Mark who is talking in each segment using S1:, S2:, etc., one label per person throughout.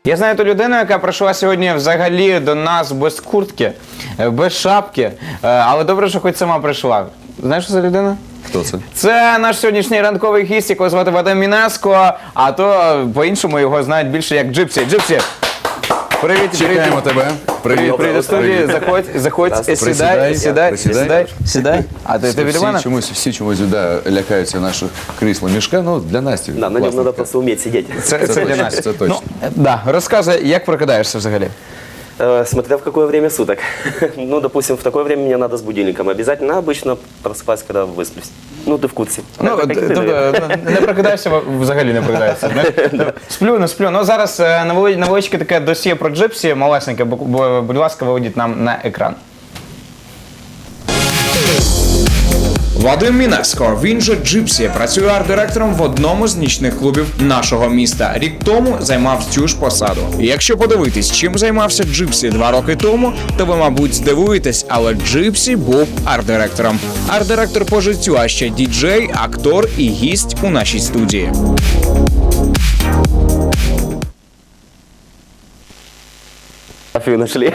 S1: Я знаю ту людину, яка прийшла сьогодні взагалі до нас без куртки, без шапки, але добре, що хоч сама прийшла. Знаєш, що за людина?
S2: Хто це?
S1: Це наш сьогоднішній ранковий гість, якого звати Вадим Мінеско, а то по-іншому його знають більше як Джипсі. Джипсі! Привіт,
S2: Чекаємо тебе.
S1: Привіт, привіт до студії. Заходь, сідай. А ти від мене?
S2: Всі чомусь лякаються наших крісла мішка, ну для Насті.
S3: Да, на нем надо просто уметь сидеть.
S1: Це для нас.
S2: Це точно.
S1: Розказуй, як прокидаєшся взагалі?
S3: Смотря в какое время суток. Ну, допустим, в такое время мне надо с будильником. Обязательно, обычно просыпаюсь, когда высплюсь. Ну, ты в курсі.
S1: Ну, не прокидаєшся, взагалі не прокидаєшся. Сплю, не сплю. Ну, зараз невеличке таке досьє про Джипсі, малесеньке, будь ласка, виведіть нам на екран. Вадим Мінеско, він же Джипсі, працює арт-директором в одному з нічних клубів нашого міста. Рік тому займав цю ж посаду. І якщо подивитись, чим займався Джипсі 2 роки тому, то ви, мабуть, здивуєтесь, але Джипсі був арт-директором. Арт-директор по життю, а ще діджей, актор і гість у нашій студії.
S3: Фотографию нашли.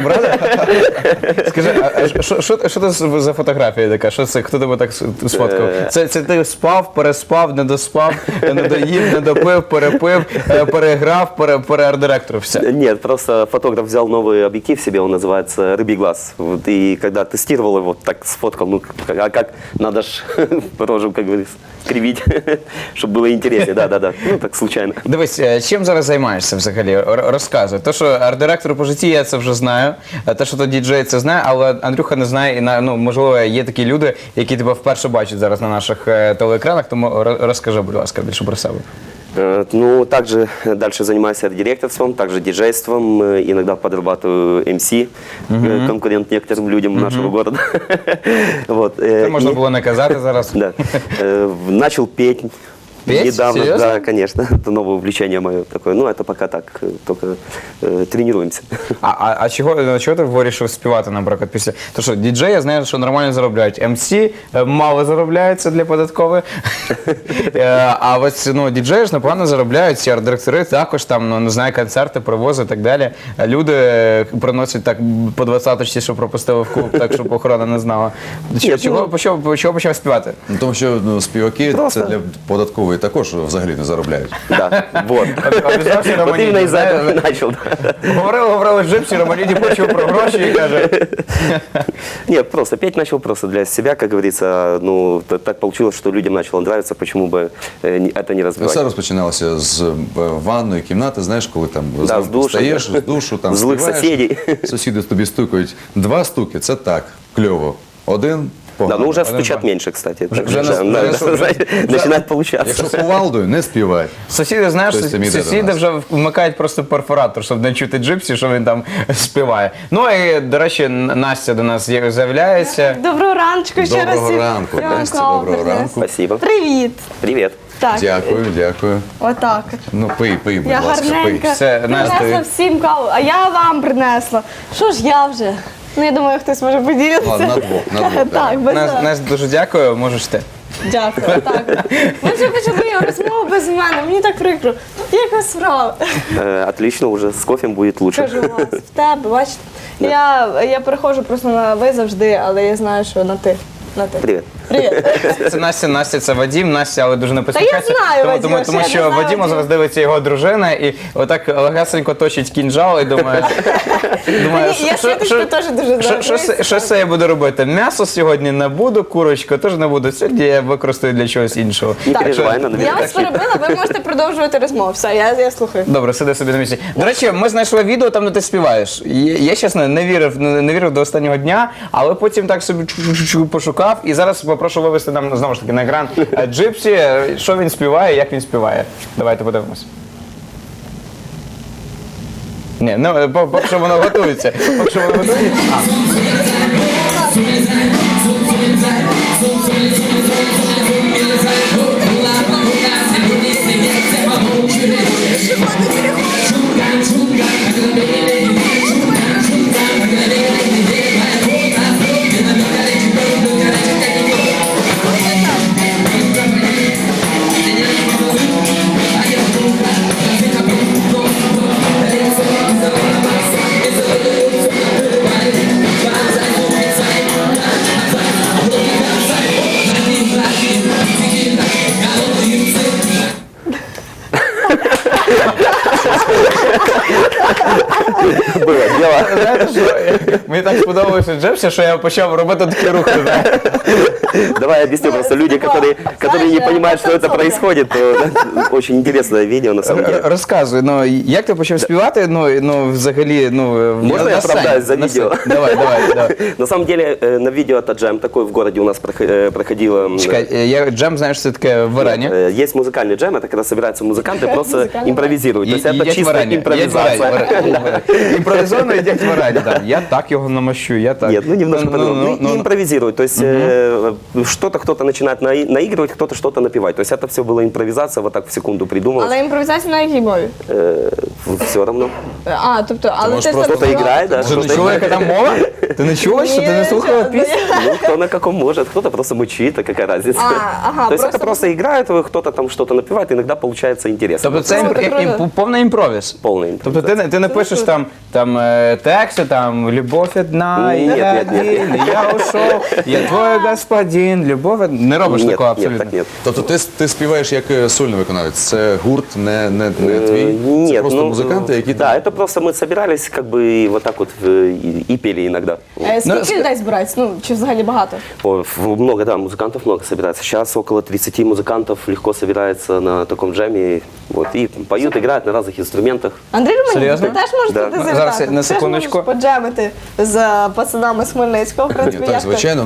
S1: Скажи, а що це за фотографія така? Що це? Хто тебе так сфоткав? Це ти спав, переспав, не доспав, не доїв, не допив, перепив, переграв, переарт-директор, все?
S3: Нет, просто фотограф взял новый объектив себе, он называется «Рыбий глаз». Вот, и когда тестировал его, так сфоткал, ну, а как надо ж рожу, как говорится, кривить, чтобы было интереснее, да, ну, так случайно.
S1: Дивись, чим зараз займаєшся взагалі? Розказуй. То, що арт-директор по житті, я це вже знаю. Те, що то діджей, це знає, але Андрюха не знає. І, ну, можливо, є такі люди, які тебе вперше бачать зараз на наших телеекранах, тому розкажи, будь ласка, більше про себе.
S3: Ну, также дальше занимаюсь арт-директорством, также диджейством, иногда подрабатываю MC, конкурент некоторым людям нашего города. Вот.
S1: Це можна було не казати зараз.
S3: Да. Начал петь.
S1: Петь?
S3: Недавно,
S1: Серьезно?
S3: да, конечно. Это новое увлечение мое такое. Ну, это пока так, только тренируемся.
S1: А чого ти вирішив співати, наприклад, після? Тому що діджеї, я знаю, що нормально заробляють. МС мало заробляється для податкової. А ось, ну, діджеї ж непогано заробляють, ці арт-директори також там, ну, не знаю, концерти привозять і так далі. Люди приносять так по 20-ті, що пропустили в клуб, так, щоб охорона не знала. Чого почав співати?
S2: Ну, тому що співаки це для податкової також взагалі не заробляють.
S3: Да, вот. Вот именно из-за этого и начал.
S1: Говорили Джипсі, Романіді почув про гроші і каже...
S3: Нет, просто петь начал просто для себя, как говорится. Ну, так получилось, что людям начало нравиться, почему бы это не развивать.
S2: Все розпочиналося з ванної кімнати, знаєш, коли там
S3: Да, з душу.
S2: встаєш, з душу, там
S3: Злих
S2: співаєш.
S3: сусідів.
S2: Сусіди тобі стукають. 2 стуки, це так, кльово. 1 погано.
S3: Да, ну уже стучат меньше, кстати.
S1: Вже
S3: Начинает получаться.
S2: Якщо кувалдою, не співай.
S1: Сусіди, знаєш,
S2: Тобто це йде до
S1: сусіди
S2: нас.
S1: вже вмикають просто перфоратор, щоб не чути Джипсі, що він там співає. Ну і, до речі, Настя до нас з'являється.
S4: Доброго раночку ще раз.
S2: Доброго ранку, Настя, доброго ранку.
S3: Спасибо.
S4: Привіт.
S3: Привет.
S4: Так,
S2: Дякую.
S4: отак.
S2: Ну, пий, будь
S4: Я
S2: ласка, пий.
S4: гарненька.
S1: Все, Настя,
S4: Принесла всім каву, а я вам принесла. Що ж я вже? Ну, я думаю, хтось може поділитися.
S2: Ладно, на двох,
S4: Так, без
S1: Настя, дуже дякую, можеш ти.
S4: Дякую, так. Ми вже почали розмову без мене, мені так прикро. Як вас справа?
S3: Отлично, уже с кофе будет лучше.
S4: Кажу вас, в тебе, бачите? Я переходжу просто на ви завжди, але я знаю, що на ти. На ти.
S3: Привет.
S4: Привіт.
S1: Це Настя, це Вадим. Настя, але дуже не посміхається.
S4: знаю Вадима,
S1: Тому
S4: що
S1: що
S4: я не знаю
S1: Вадима
S4: Вадима.
S1: зараз дивиться його дружина і отак легесенько точить кінжал і думає,
S4: Я швидко теж дуже знаю.
S1: що це я буду робити? М'ясо сьогодні не буду, курочку теж не буду. Сьогодні я використаю для чогось іншого.
S3: Не
S4: Так.
S3: переживай, она
S4: Я
S3: наверняка.
S4: вас перебила, ви можете продовжувати розмову. Все, я слухаю.
S1: Добре, сиди собі на місці. До речі, ми знайшли відео там, де ти співаєш. Я, чесно, не вірив до останнього дня, але потім так собі пошукав. І зараз попрошу вивести нам знову ж таки на екран Джипсі, що він співає, як він співає. Давайте подивимось. Ні, ну, поки що воно готується. Поки що воно готується.
S3: Было дело.
S1: Знаєте, що мені так сподобалося Джепсі, що я почав робити такі рухи. знаєте.
S3: Давай объясню, просто люди, которые не понимают, что это происходит, то да, очень интересное видео на самом деле.
S1: Розказуй, ну як ти почав співати, ну взагалі, ну
S3: Можно я
S1: на сцені,
S3: оправдаюсь за
S1: на сцені?
S3: видео?
S1: Давай.
S3: На самом деле, на видео это джем такой в городе у нас проходило.
S1: Чекай, я джем, знаєш, це таке варення.
S3: Есть музыкальный джем, это когда собираются музыканты, просто
S4: Музыкальный.
S3: импровизируют. То есть это
S1: Їдять
S3: чисто
S1: варення,
S3: импровизация.
S1: Імпровізовано їдять варення. там. Я так його намащу, я так.
S3: Нет, ну немножко по-другому.
S1: ну,
S3: И импровизируют. То есть что-то кто-то начинает наигрывать, кто-то что-то напевать. То есть это все было импровизация, вот так в секунду придумалось.
S4: Але імпровізація на якій мові?
S3: Все равно.
S4: А, тобто, але
S2: можеш
S4: ти
S2: просто
S3: Кто-то играет, да?
S1: Ти не
S3: кто-то
S1: чула,
S3: играет.
S1: яка там мова? Ти не чула, що ти не слухала пісню?
S3: Ну, кто на каком может, кто-то просто мычит, а какая разница.
S4: ага,
S3: То есть это
S4: просто-
S3: просто играет, кто-то там что-то напевает, иногда получается интересно.
S1: Тобто це
S4: Круто, круто.
S1: повний імпровіз.
S3: Полный
S1: Тобто ти не пишеш там тексти, там «Любов одна,
S3: Ні,
S1: я
S3: ні, ні.
S1: один, я ушов, я твой господин, любов одна». Не робиш
S3: Нет,
S1: такого
S3: нет,
S1: абсолютно?
S3: так нет.
S2: Тобто ти співаєш як сольний виконавець, це гурт, не твій, це
S3: Нет,
S2: просто
S3: ну,
S2: музиканти, які
S3: да, это просто мы собирались как бы и вот так вот и пели иногда.
S4: Скільки людей збирається? Ну, чи взагалі багато?
S3: Ой, много, да, музыкантов много собирается. Сейчас около 30 музыкантов легко собирается на таком джеме. Вот, и поют, играют на разных инструментах.
S4: Андрій Романюк,
S1: Серйозно?
S4: ти теж можеш
S3: Да.
S4: туди
S3: Ну,
S4: завітати?
S1: зараз я на
S4: Ти ж
S1: секундочку.
S4: можеш поджемити з пацанами з Хмельницького. В принципі,
S2: Так,
S4: як ти?
S2: звичайно,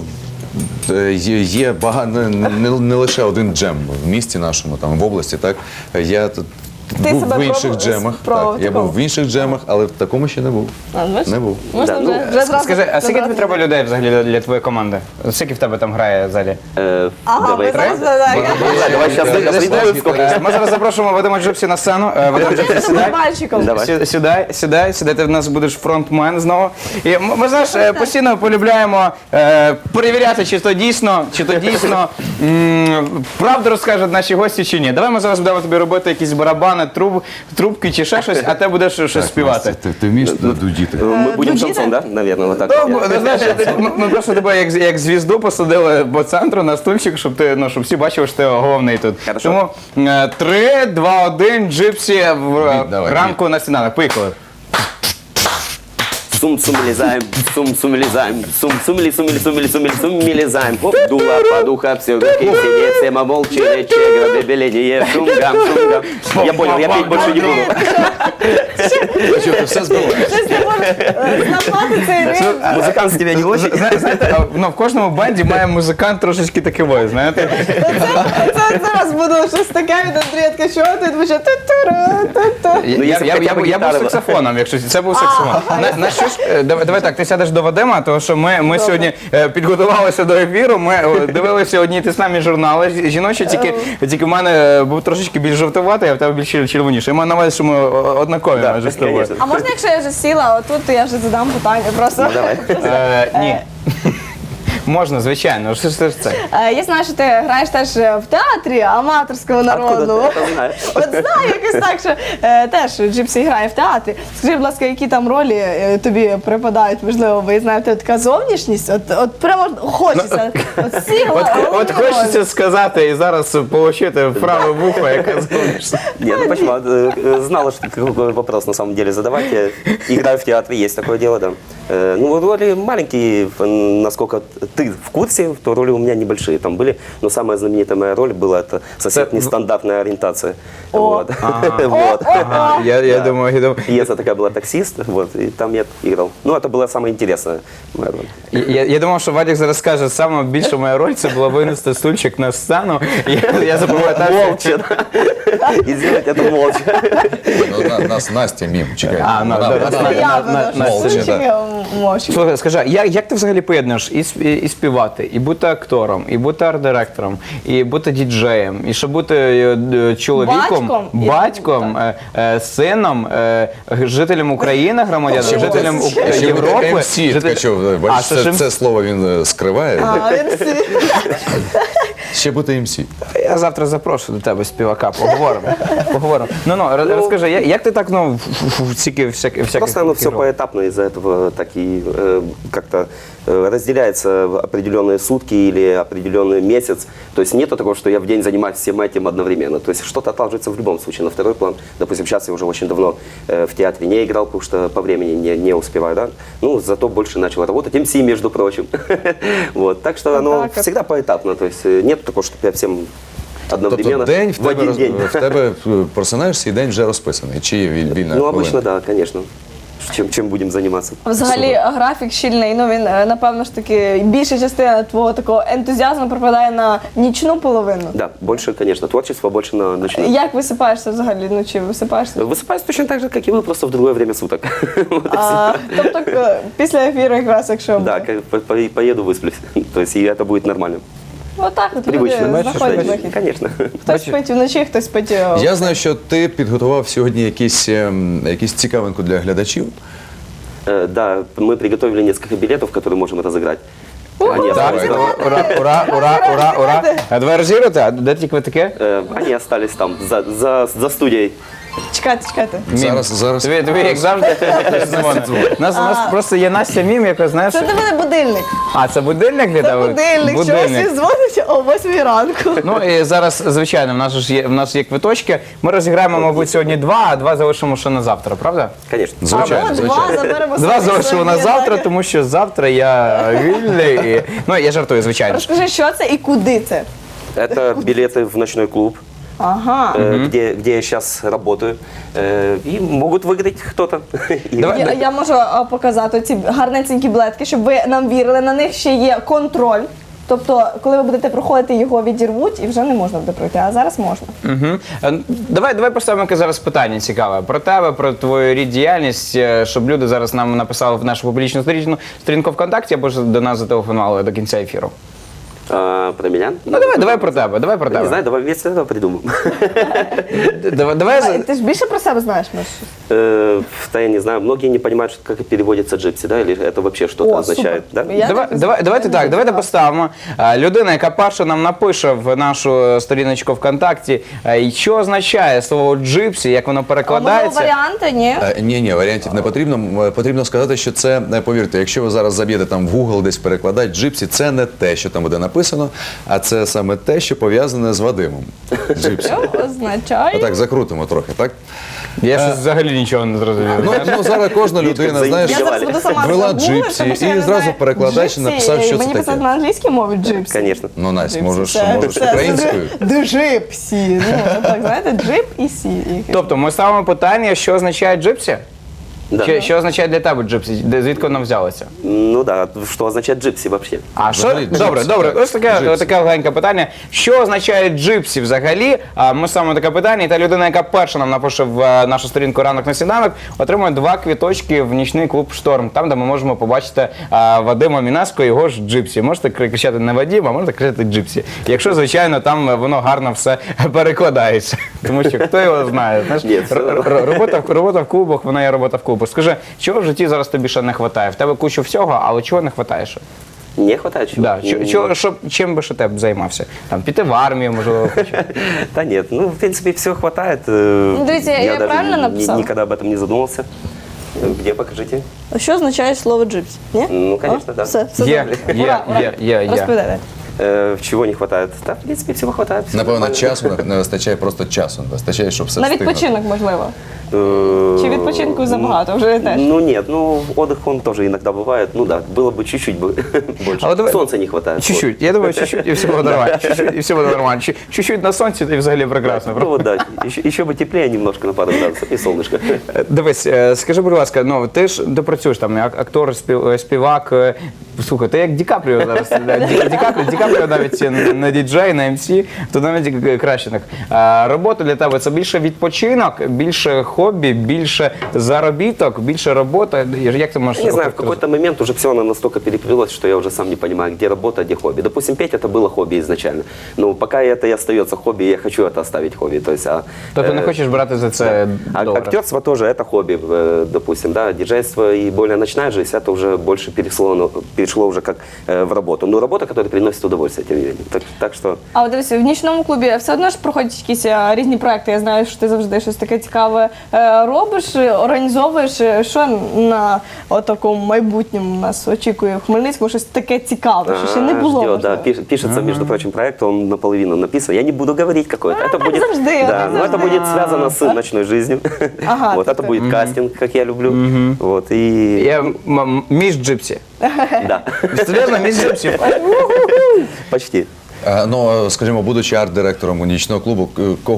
S2: є багато, не лише один джем в місті нашому, там в області, так. Я тут
S4: Ти
S2: був
S4: себе
S2: в інших
S4: пробував-
S2: джемах.
S4: пробував
S2: Так, я
S4: такого?
S2: був в інших джемах, але в такому ще не був.
S4: А, бачиш?
S2: Не був.
S4: Можна
S3: Да,
S4: вже,
S3: ну,
S4: вже зразу.
S1: Скажи, а скільки тобі
S4: зразу.
S1: треба людей взагалі для твоєї команди? Скільки в тебе там грає в залі?
S4: Ага,
S3: Давай,
S4: ви зараз
S3: давай.
S4: так.
S3: Давай сейчас придумаем сколько.
S1: Ми зараз запрошуємо Вадима Джипсі на сцену. Вадим Джипсі,
S4: Ти з
S1: сідай.
S4: мальчиком.
S3: Давай.
S1: Сідай, ти в нас будеш фронтмен знову. І ми, знаєш, постійно полюбляємо перевіряти, чи то дійсно правду розкажуть наші гості чи ні. Давай ми зараз будемо тобі робити якісь барабани, трубки чи ще щось, а ти будеш щось співати.
S2: Ти вмієш дудіти?
S3: Мы будем
S4: Дудита?
S3: шансон, да? Наверное, вот так.
S1: Ну, ну, знаєш, ми просто тебе як звізду посадили по центру на стульчик, щоб ти, щоб всі бачили, що ти головний тут.
S3: Хорошо.
S1: Тому 3, 2, 1, Джипсі
S2: Давай,
S1: ранку на сніданок. Поїхали.
S3: Сум-сум лезаем, сум-сум лезаем, сум-сум лезаем. Хоп, дула, подуха, все руки сидеть, все молчали, чегра, бебеление, шум-гам. Я понял, я петь больше не буду.
S2: Що, ти все збиваєш?
S4: Щось не можеш знапати цей ритм.
S3: Музыкант с тебя не очень.
S1: Знаєте, в кожному бенді має музикант трошечки такий, знаєте.
S4: Це зараз буде щось таке від Андрія Ткачова, ти буде ту-туру-ту-ту.
S1: Я був саксофоном, якщо це був саксофон. На що ж, давай так, ти сядеш до Вадима, тому що ми сьогодні підготувалися до ефіру, ми дивилися одні й ті самі журнали жіночі, тільки в мене був трошечки більш жовтуватий, а в тебе більш червоніший. Я маю на увазі, що ми однакові
S3: Да,
S1: майже з тобою.
S3: конечно.
S4: А можна, якщо я вже сіла, отут, то я вже задам питання просто.
S3: Ну, давай.
S1: Ні. Можна, звичайно. Що ж це?
S4: Я знаю, що ти граєш теж в театрі аматорського
S3: Откуда
S4: народного.
S3: ты это знаешь?
S4: От знаю якось так, що теж Джипсі грає в театрі. Скажи, будь ласка, які там ролі тобі припадають? Можливо, ви знаєте, така зовнішність? От прямо хочеться. От всі
S1: От хочеться сказати і зараз отримати праве вухо, яке згодишся.
S3: Нет, ну почему? Знала, что какой вопрос на самом деле задавать. Я играю в театре, есть такое дело, да. Ну, роли маленькие, насколько ты в курсе, то роли у меня небольшие там были. Но самая знаменитая моя роль была, это совсем нестандартная ориентация. Вот. Вот.
S1: Ага, я думаю,
S3: Пьеса такая была «Таксист», вот, и там я играл. Ну, это была самая интересная моя роль.
S1: Я думав, що Вадик зараз скаже, саме більша моя роль це була винести стульчик на сцену. Я запам'ятав.
S3: Молча, да. И сделать это молча.
S2: Ну, нас Настя мім, чекай.
S1: А, ну,
S2: Вона-
S1: да,
S2: вона-
S4: Я
S2: Молча, да.
S4: мовчу.
S1: Слухай, скажи, як ти взагалі поєднуєш і співати, і бути актором, і бути арт-директором, і бути діджеєм, і ще бути чоловіком, батьком, сином, жителем України, громадянином, жителем
S2: Ще
S1: Європи.
S2: МС Ткачов, бачиш,
S1: що ж
S2: це слово він скриває.
S4: А, він всі.
S2: Ще бути МС.
S1: Я завтра запрошу до тебе співака, поговоримо. Ну, розкажи, як ти так, стільки всяких...
S3: Просто оно все
S1: ролей?
S3: поэтапно, из-за этого так и как-то разделяется в определенные сутки или определенный месяц. То есть нету такого, что я в день занимаюсь всем этим одновременно. То есть что-то отлаживается в любом случае на второй план. Допустим, сейчас я уже очень давно в театре не играл, потому что по времени не успеваю, да. Ну, зато больше начал работать. МС, между прочим. Вот. Так что оно
S4: так вот.
S3: всегда поэтапно. То есть нет такого, что я всем одновременно
S2: Тобто день
S3: в один день.
S2: в тебе просинаєшся і день вже розписаний. Чи є вільна
S3: Ну,
S2: хвилина?
S3: обычно, да, конечно. Чем будем заниматься.
S4: Взагалі графік щільний, він, напевно ж таки, більша частина твого такого ентузіазму припадає на нічну половину.
S3: Да, больше, конечно, творчество, больше на ночную.
S4: Як висипаєшся взагалі? Ну, чи висипаєшся?
S3: Высыпаюсь точно так же, как и вы, просто в другое время суток. Вот и всё.
S4: Тобто після ефіру якраз, якщо
S3: Да, поеду, высплюсь. То есть и это будет нормально.
S4: отак от люди
S3: Привычно.
S4: знаходять вихід.
S3: Конечно.
S4: Хтось спить вночі, хтось спить.
S2: Я знаю, що ти підготував сьогодні якісь цікавинку для глядачів.
S3: Да, мы приготовили несколько билетов, которые можем разыграть. Они
S1: Так,
S3: остались,
S1: ура. А давай розіграти, а де ті квитки?
S3: они остались там, за студией.
S4: Чекайте.
S1: Мім.
S2: Зараз.
S1: Тобі як завжди, у нас просто є Настя Мім, яка, знаєш...
S4: Це для мене будильник.
S1: А, це будильник для
S4: Це
S1: тебе?
S4: будильник. Чогось він дзвонить о 8 ранку.
S1: Ну і зараз, звичайно, в нас є квиточки. Ми розіграємо, мабуть, сьогодні 2, а 2 залишимо ще на завтра, правда?
S3: Конечно.
S2: Звичайно,
S4: Або
S2: звичайно.
S4: 2 заберемо
S1: 2
S4: собі
S1: залишимо на
S4: собі,
S1: завтра,
S4: так.
S1: тому що завтра я вільний. Ну, я жартую, звичайно ж.
S4: Розкажи, що це і куди це?
S3: Это билеты в ночной клуб,
S4: Ага.
S3: где я сейчас работаю. И могут выиграть кто-то.
S1: Давай.
S4: Я можу показати ці гарненькі білетки, щоб ви нам вірили. На них ще є контроль. Тобто, коли ви будете проходити, його відірвуть і вже не можна буде пройти, а зараз можна.
S1: Угу. Давай поставимо яке зараз питання цікаве про тебе, про твою рід діяльність, щоб люди зараз нам написали в нашу публічну сторінку ВКонтакті або ж до нас зателефонували до кінця ефіру.
S3: Про меня?
S1: Ну давай про тебе, давай про
S3: Не
S1: тебе.
S3: знаю, давай вместе это придумаем.
S1: Давай.
S4: Ти ж більше про себе знаєш, Маш?
S3: Да, я не знаю, многие не понимают, как переводится джипси, да, или это вообще что-то
S4: О,
S3: означает,
S4: супер.
S3: да?
S4: Я так
S1: Давайте так, давайте поставимо. Людина, яка перша нам напише в нашу сторіночку ВКонтакті, що означає слово джипсі, як воно
S4: А можливо,
S1: перекладається.
S4: варіанти, ні?
S2: Ні, варіантів не потрібно. Потрібно сказати, що це, повірте, якщо ви зараз заб'єте там в Google десь перекладати джипсі, це не те, що там буде написано, а це саме те, що пов'язане з Вадимом. Джипсі.
S4: Що означає?
S2: Отак, закрутимо трохи, так?
S1: Я щось взагалі нічого не зрозумів.
S2: Ну зараз кожна людина, знаєш,
S4: Я зараз буду сама
S2: ввела
S4: загуглити,
S2: джипсі
S4: тому що я
S2: і
S4: не
S2: зразу
S4: знаю.
S2: перекладач
S4: Джипсі,
S2: написав, що це
S4: мені писати
S2: таке.
S4: на англійській мові джипсі.
S3: Конечно.
S2: Ну, Настя, можеш
S4: Це
S2: українською.
S4: Джипсі. Ну, так, знаєте, джип і сі.
S1: Тобто ми ставимо питання, що означає джипсі?
S3: Да.
S1: Що означає для тебе джипсі? Звідки воно взялося?
S3: Ну да, что означает джипси вообще?
S1: А що?
S2: Взагалі,
S1: Добре,
S2: джипсі,
S1: добре.
S2: так.
S1: Ось таке легеньке питання. Що означає джипсі взагалі? Ми ставимо таке питання, і та людина, яка перша нам напише в нашу сторінку «Ранок на сніданок», отримує 2 квіточки в нічний клуб «Шторм», там, де ми можемо побачити Вадима Мінаско і його ж джипсі. Можете кричати не Вадим, а можете кричати джипсі. Якщо, звичайно, там воно гарно все перекладається. Тому що хто його знає? Знаєш,
S3: Ні, це
S1: робота в клубах, вона є робота в клубах. Скажи, чого в житті зараз тобі ще не вистачає? В тебе кучу всього, але чого не вистачає ще?
S3: Не хватает чего?
S1: Да. Чим би ще ти б займався? Там піти в армію, можливо, хочеш?
S3: Да нет, ну, в принципе, все хватает.
S4: Дивіться, я
S3: даже
S4: правильно написала?
S3: никогда об этом не задумывался. Где, покажите.
S4: Що означає слово джипсі? Ні?
S3: Ну, конечно, да.
S4: Все
S1: Є,
S4: добре. Ура, ура.
S1: є.
S4: Розповідайте.
S3: Чего не хватает? Да, в принципе, всего хватает. всё
S2: Напевно,
S3: нормально.
S2: часу не вистачає, просто часу не вистачає, щоб все
S4: На
S2: встигнути.
S4: відпочинок, можливо. Чи
S3: Э,
S4: відпочинку забагато? Вже теж.
S3: Ну нет, ну отдых он тоже иногда бывает. Ну да, было бы чуть-чуть больше.
S1: Але давай-
S3: Солнца не хватает.
S1: Чуть-чуть. Я думаю, чуть-чуть, і все буде нормально. Чуть-чуть, і все буде нормально. Чуть-чуть на сонці, і взагалі прекрасно.
S3: Ну вот да, еще бы теплее немножко на пару градусов и солнышко.
S1: Дивись, скажи, будь ласка, ну ти ж працюєш там як актор, співак. Слухай, ти як Ді Капріо зараз. Ді Капріо навіть на діджей, на МС, то навіть краще так. Робота для тебе це більше відпочинок, більше хобі, більше заробіток, більше робота. Як ти можеш
S3: Не знаю, в какой-то момент уже все оно настолько переплелось, что я уже сам не понимаю, где работа, где хобби. Допустим, петь это было хобби изначально. Но пока это и остается хобби, я хочу это оставить хобби. То есть,
S1: Тобто не хочеш брати за це долари?
S3: актерство тоже это хобби, допустим, да. Диджейство и более ночная жизнь, это уже больше перешло перешло уже как в работу. Но работа, которая приносит удовольствие, тем не менее. Так что...
S4: А от дивися, в нічному клубі все одно ж проходять якісь різні проекти. Я знаю, що ти завжди щось таке цікаве робиш, організовуєш. Що на такому майбутньому нас очікує в Хмельницькому? Щось таке цікаве, що ще не було.
S3: Ждет, да,
S4: можливо.
S3: пишется, между прочим, проект, он наполовину написан. Я не буду говорить какой это. Это будет,
S4: завжди,
S3: да,
S4: так
S3: но это
S4: завжди.
S3: будет связано с ночной жизнью.
S4: Ага,
S3: Вот, это
S4: такой.
S3: будет кастинг, как я люблю. Вот, и...
S1: Я між Джипсі.
S3: Да,
S1: Серйозно, між Джипсі.
S3: почти.
S2: Ну, скажімо, будучи арт-директором у нічного клубу,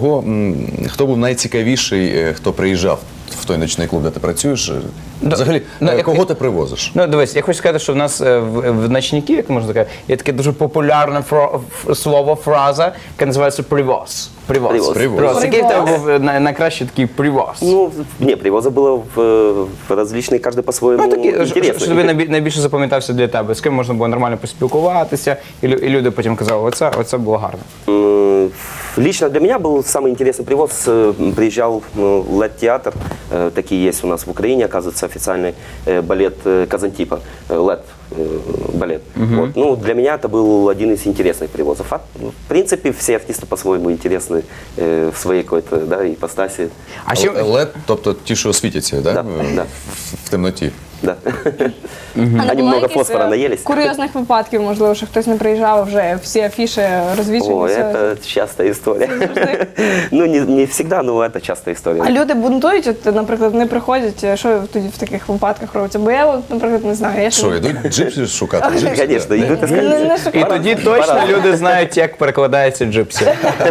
S2: хто був найцікавіший, хто приїжджав в той нічний клуб, де ти працюєш? Взагалі, кого ти привозиш?
S1: Ну, дивись, я хочу сказати, що в нас в ночників, як можна сказати, є таке дуже популярне слово, фраза, яка називається привоз.
S3: Привоз.
S1: Привоз. Який в тебе був найкращий такий привоз?
S3: Ну, не, привоза было в различные, каждый по-своему
S1: Ну, такі, що
S3: интересный.
S1: тобі найбільше запам'ятався для тебе, з ким можна було нормально поспілкуватися, і люди потім казали, оце було гарно.
S3: Лично для меня был самый интересный привоз. Приезжал LED-театр, такие есть у нас в Украине, оказывается, официальный балет Казантипа, LED балет. Вот. Ну, для меня это был один из интересных привозов. А, в принципе, все артисты по-своему интересны в своей какой-то, да, ипостаси.
S1: А ще
S2: LED, тобто ті, що світяться, да?
S3: Да, да.
S2: В темноті.
S3: Да.
S4: А не
S3: Они
S4: було
S3: много
S4: якихось,
S3: фосфора наелись.
S4: курйозних випадків, можливо, що хтось не приїжджав, вже всі афіші розвішені.
S3: О,
S4: все.
S3: это частая история. Ну, не всегда, но это частая история.
S4: А люди бунтують, от, наприклад, не приходять, що тоді в таких випадках робиться? Бо я, от, наприклад, не знаю. Я
S2: Що, йдуть джипсі шукати? Джипсі,
S3: Конечно,
S2: да?
S3: идут
S4: не,
S3: искать.
S4: не
S1: І
S4: шукаю.
S1: тоді точно люди знають, як перекладається Джипсі.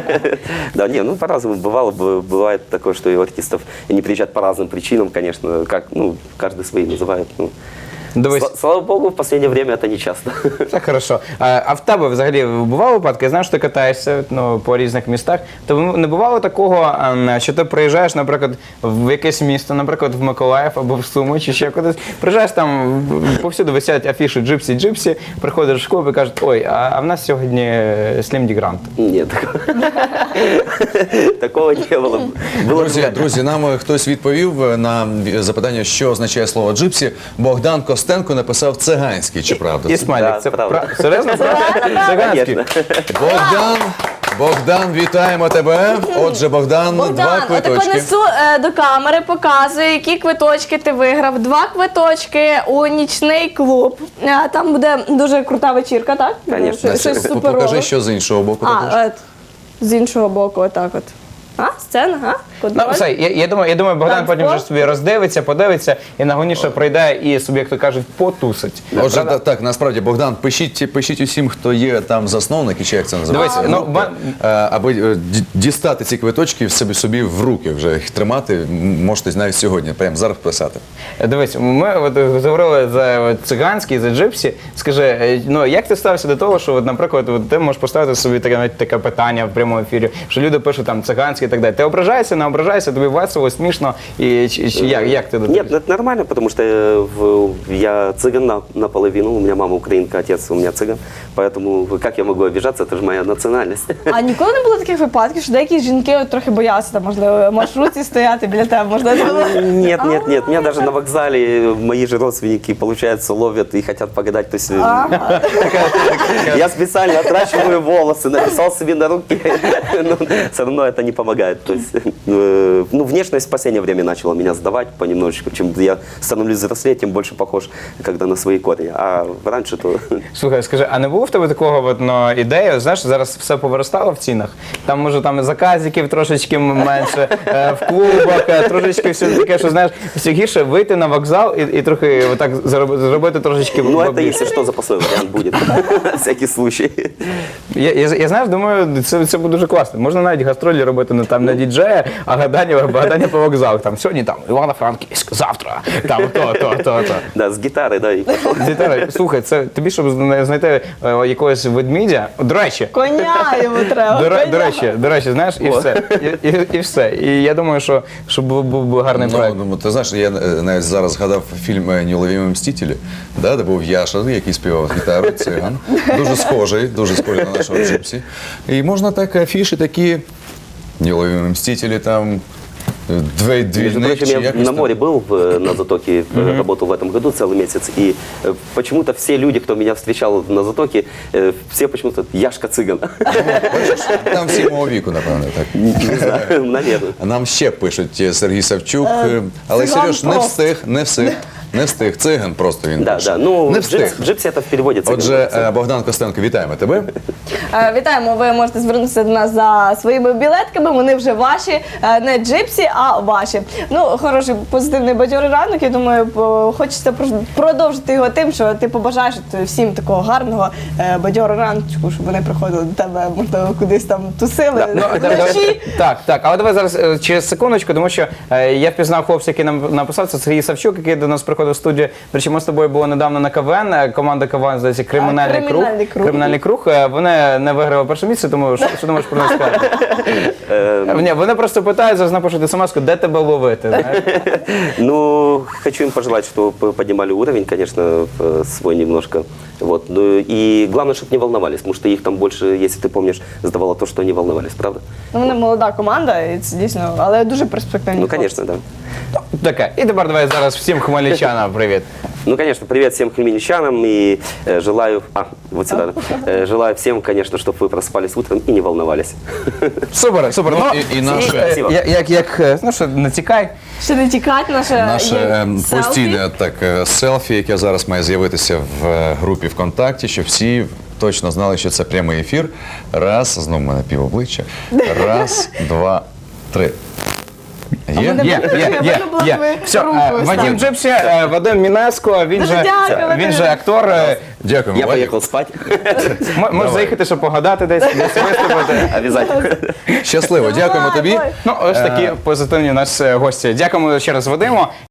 S3: Да, не, ну по-разному бывало, бывает такое, что и у артистов не приезжают по разным причинам, конечно, как, ну, каждый свои называет. Ну.
S1: Дивись,
S3: Слава богу, в последнее время это не часто.
S1: це хорошо. А в тебе взагалі бували випадки? Я знаю, що ти катаєшся по різних містах. То не бувало такого, що ти приїжджаєш, наприклад, в якесь місто, наприклад, в Миколаїв або в Суми, чи ще кудись. Приїжджаєш там, повсюди висять афіші Джипсі, приходиш в клуб і кажуть, ой, а в нас сьогодні Слім Ді Грант.
S3: Нет, такого не было.
S2: Друзі, нам хтось відповів на запитання, що означає слово джипсі. Богдан Костенко написав циганський, чи правда?
S1: І
S2: це?
S1: смайлик.
S3: Да,
S1: Це
S3: правда.
S1: серйозно? Циганський.
S3: Конечно.
S2: Богдан, вітаємо тебе. Отже, Богдан, два
S4: Богдан, отако
S2: квиточки.
S4: несу до камери, показую, які квиточки ти виграв. 2 квиточки у нічний клуб. Там буде дуже крута вечірка, так?
S3: Конечно.
S4: Щось суперове.
S2: Покажи, що з іншого боку. також.
S4: З іншого боку, отак от. Сцена,
S1: Ну,
S4: контроль.
S1: все, я думаю, Богдан
S4: Танцпол.
S1: потім вже собі роздивиться, подивиться і нагоніше прийде і собі, як то кажуть, потусить.
S2: Отже, так, насправді, Богдан, пишіть усім, хто є там засновники, чи як це називається,
S1: Дивись,
S2: аби дістати ці квиточки собі в руки, вже їх тримати, можете навіть сьогодні, прямо зараз писати.
S1: Дивись, ми от говорили за циганський, за Джипсі. Скажи, ну як ти ставишся до того, що, от, наприклад, от, ти можеш поставити собі таке питання в прямому ефірі, що люди пишуть там циганський і так далі. Ти ображаєшся, не ображаєшся, тобі весело, смішно, і чи як ти до того?
S3: Нет, это нормально, потому что я цыган наполовину, у меня мама украинка, отец у меня цыган, поэтому как я могу обижаться, это же моя национальность.
S4: А ніколи не було таких випадків, що деякі жінки от трохи боялися, там, можливо, в маршрутці стояти біля тебе, можливо.
S3: Нет, меня даже на вокзале мои же родственники, получается, ловят и хотят погадать. То есть я специально отращиваю волосы, написал себе на руки, но все равно это не помогает. То есть, ну, внешность в последнее время начала меня сдавать понемножечку. Чем я становлюсь взрослее, тем больше похож, когда на свои корни. А раньше то...
S1: Слухай, скажи, а не було в тебе такого от, ну, ідеї, знаєш, зараз все повиростало в цінах, там може там і заказиків трошечки менше, в клубах, трошечки все таке, що знаєш, все гірше вийти на вокзал і трохи отак зробити трошечки
S3: Ну, это
S1: бабліше.
S3: если что, запасной вариант будет. Всякий случай.
S1: Я знаєш, думаю, це буде дуже класно. Можна навіть гастролі робити не там на діджея, а гадання по вокзалах. Там сьогодні там Івано-Франківськ, завтра там то.
S3: Да, с гитарой, да, и пошел.
S1: Віталій, слухай, це тобі, щоб знайти якогось ведмідя. До речі,
S4: Коня йому треба. коня.
S1: до речі, знаєш, і все. І все. І я думаю, що був гарний проект.
S2: Ну, ти знаєш, я навіть зараз згадав фільм «Неуловимі мстителі», да, де був Яша, який співав гітару, циган. Дуже схожий на нашого Джипсі. І можна так афіші такі «Неуловимі мстителі», там
S3: Между
S2: Двійник
S3: прочим,
S2: чи
S3: я
S2: якось
S3: на
S2: там?
S3: море был, на Затоке, работал в этом году целый месяц, и почему-то все люди, кто меня встречал на Затоке, все почему-то Яшка Цыган.
S2: Там всі мого віку, напевно, так.
S3: Не знаю, наверное.
S2: Нам ще пишуть Сергій Савчук, але
S4: циган
S2: Сереж не
S4: просто.
S2: встиг. Не встиг. Циган просто він
S3: Да,
S2: пише.
S3: да. Ну,
S2: Не встиг.
S3: джипси это в переводе цыган.
S2: Отже, Богдан Костенко, вітаємо тебе.
S4: Вітаємо, ви можете звернутися до нас за своїми білетками, вони вже ваші, не джипсі, а ваші. Ну, хороший, позитивний бадьорий ранок, я думаю, хочеться продовжити його тим, що ти побажаєш всім такого гарного бадьорого раночку, щоб вони приходили до тебе, можливо, кудись там тусили вночі.
S1: Так, але давай зараз через секундочку, тому що я впізнав хлопця, який нам написав, це Сергій Савчук, який до нас приходив в студію. Причому ми з тобою були недавно на КВН, команда КВН, здається, Кримінальний круг.
S4: Кримінальний круг.
S1: Вони не виграли перше місце, тому що думаєш про нас сказати? Ні, вони просто питають, зараз напишуть смс-ку, де тебе ловити. знаєш?
S3: Ну, хочу им пожелать, чтобы поднимали уровень, конечно, свой немножко. Вот. Ну, и главное, чтобы не волновались, потому что их там больше, если ты помнишь, сдавало то, что они волновались, правда?
S4: Ну, вони молода команда, і це дійсно, але дуже перспективні.
S3: Ну,
S4: хлопці.
S3: конечно, да.
S1: Таке. І тепер давай зараз всім хмельничанам привіт.
S3: Ну, конечно, привет всем хмельничанам и желаю, вот сюда, желаю всем, конечно, чтобы вы просыпались утром и не волновались.
S1: Супер.
S2: Ну, і наше-
S3: Спасибо.
S1: Ну що, не тікай.
S4: Ще не тікати,
S2: Наше
S4: є селфі.
S2: постійне селфі, яке зараз має з'явитися в групі ВКонтакті, щоб всі точно знали, що це прямий ефір. Раз, знову в мене півобличчя. Раз, два, три. Є?
S4: мене-
S1: Є. Все, Вадим Джипсі, Вадим Мінеско, він
S4: Дуже
S1: же
S4: дякую,
S1: актор.
S2: Дякуємо,
S3: Я
S2: Вадик.
S3: поехал спать.
S1: Можеш заїхати, щоб погадати десь виступити.
S3: Обязательно.
S2: Щасливо, дякуємо тобі.
S4: Давай.
S1: Ну, ось такі позитивні у нас гості. Дякуємо ще раз Вадиму.